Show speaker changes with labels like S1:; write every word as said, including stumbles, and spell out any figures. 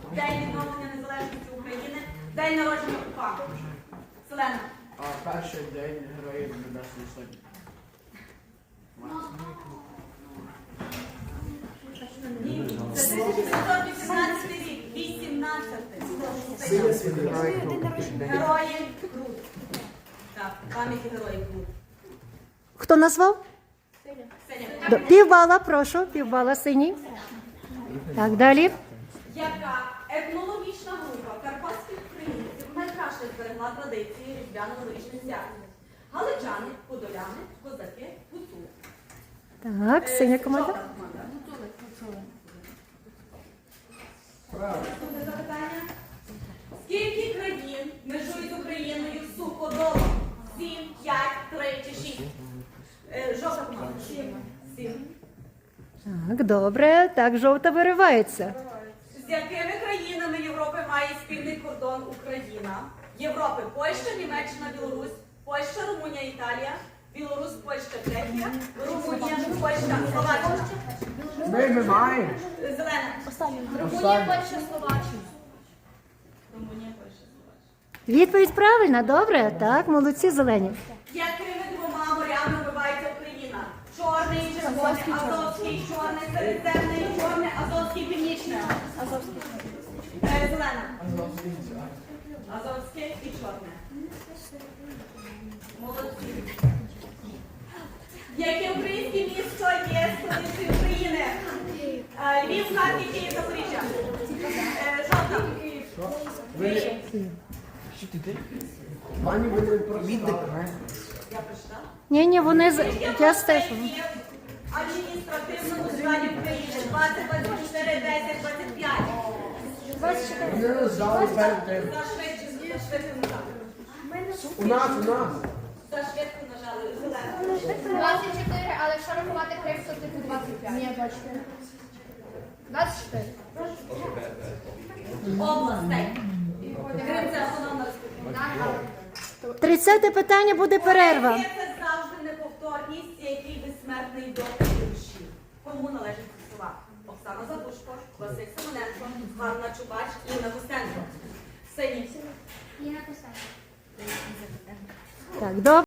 S1: День відновлення незалежності України. День народження УПА. Селена.
S2: А перший день Героїв Небесної Сотні.
S1: Це тисяча сімсот вісімнадцятий рік. вісімнадцятий. Герої Крут. Так, пам'яті героїв Крут.
S3: Хто назвав?
S1: Сеня.
S3: До- Півбала, прошу, півбала синій. Так, далі.
S1: Яка етнологічна група карпатських українців найкраще зберегла традиції різдвяно-новорічних свят? Галичани, подоляни, козаки, гуцули.
S3: Так, синя команда.
S1: Жовта команда. Наступне запитання. Скільки країн межують з Україною суходолом? Сім, п'ять, три чи шість? Е, Жовта команда. Сім. Сім.
S3: Так, добре. Так, жовта виривається.
S1: З якими країнами Європи має спільний кордон Україна? Європи – Польща, Німеччина, Білорусь, Польща, Румунія, Італія, Білорусь, Польща, Чехія, Румунія, Польща, Словаччина.
S2: Ми, ми маємо.
S1: Зелена.
S4: Румунія, Польща, Словаччина.
S1: Румунія, Польща, Словаччина.
S3: Відповідь правильна, добре. Так, молодці зелені.
S1: Якими двома морями вбивається Україна? Чорний і червоний, Азовський, чорний, Середземний, чорний, Азовський, північний.
S4: Азовський.
S1: Е, Зелена. Азовське і чорне. Молодці. Яке українське місто є столицею України? Е, Львів, Харків, Київ, Запоріжжя. Е, Жовта.
S2: Ви... Що ти ти? Пані, ви не прочитали.
S1: Я прочитала.
S3: Ні, ні, вони з я стежу.
S1: Адміністративному складі України двадцять, двадцять чотири, десять, двадцять п'ять.
S2: Вони роздали перед тим.
S1: За швидше, за швидко нажали.
S2: У нас, у нас.
S1: За швидко нажали. Зелено.
S4: двадцять чотири, але якщо рахувати Крим, то типу двадцять п'ять. Ні, двадцять чотири. двадцять чотири.
S1: Областей. Крим – це автономна республіка.
S3: Тридцяте питання буде перерва.
S1: Поезія – це завжди неповторність, який безсмертний доказ душі. Кому належать ці слова? Оксана Задушко, Василь Симоненко, Ганна Чубач, Інна Костенко. Синій.
S4: Інна Костенко.
S3: Так, добре.